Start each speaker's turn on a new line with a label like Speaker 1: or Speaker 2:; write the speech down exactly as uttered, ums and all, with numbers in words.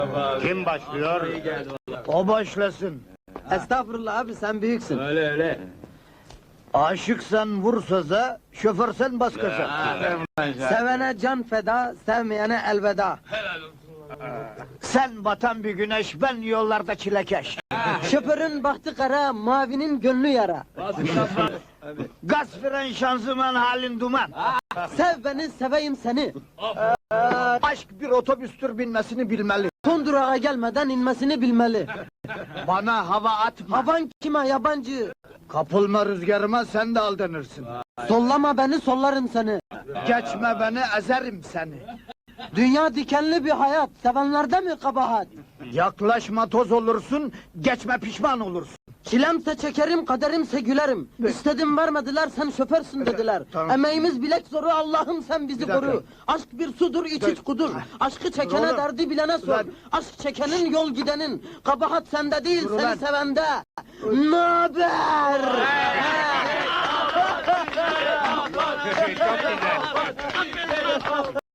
Speaker 1: Kim başlıyor? O başlasın.
Speaker 2: Estağfurullah abi, sen büyüksün.
Speaker 3: Öyle öyle.
Speaker 1: Aşıksan vur söze, şoförsen bas gaza.
Speaker 2: Sevene can feda, sevmeyene elveda.
Speaker 1: Sen batan bir güneş, ben yollarda çilekeş.
Speaker 2: Şoförün bahtı kara, mavinin gönlü yara.
Speaker 1: Gaz fren şanzıman halin duman.
Speaker 2: Sev beni, seveyim seni.
Speaker 1: Aşk bir otobüstür, binmesini bilmeli.
Speaker 2: Son durağa gelmeden inmesini bilmeli.
Speaker 1: Bana hava atma.
Speaker 2: Havan kime yabancı?
Speaker 1: Kapılma rüzgarıma, sen de aldanırsın.
Speaker 2: Sollama beni, sollarım seni.
Speaker 1: Geçme beni, ezerim seni.
Speaker 2: Dünya dikenli bir hayat, sevenlerde mi kabahat?
Speaker 1: Yaklaşma toz olursun, geçme pişman olursun.
Speaker 2: Çilemse çekerim, kaderimse gülerim. İstedim vermediler, sen şoförsün dediler.
Speaker 1: Tamam.
Speaker 2: Emeğimiz bilek zoru, Allah'ım sen bizi
Speaker 1: Bir dakika.
Speaker 2: koru. Aşk bir sudur, iç iç kudur. Aşkı çekene
Speaker 1: Oğlum.
Speaker 2: derdi bilene sor.
Speaker 1: Ulan.
Speaker 2: Aşk çekenin yol gidenin. Kabahat sende değil,
Speaker 1: Dur
Speaker 2: seni
Speaker 1: ulan.
Speaker 2: sevende. Naber?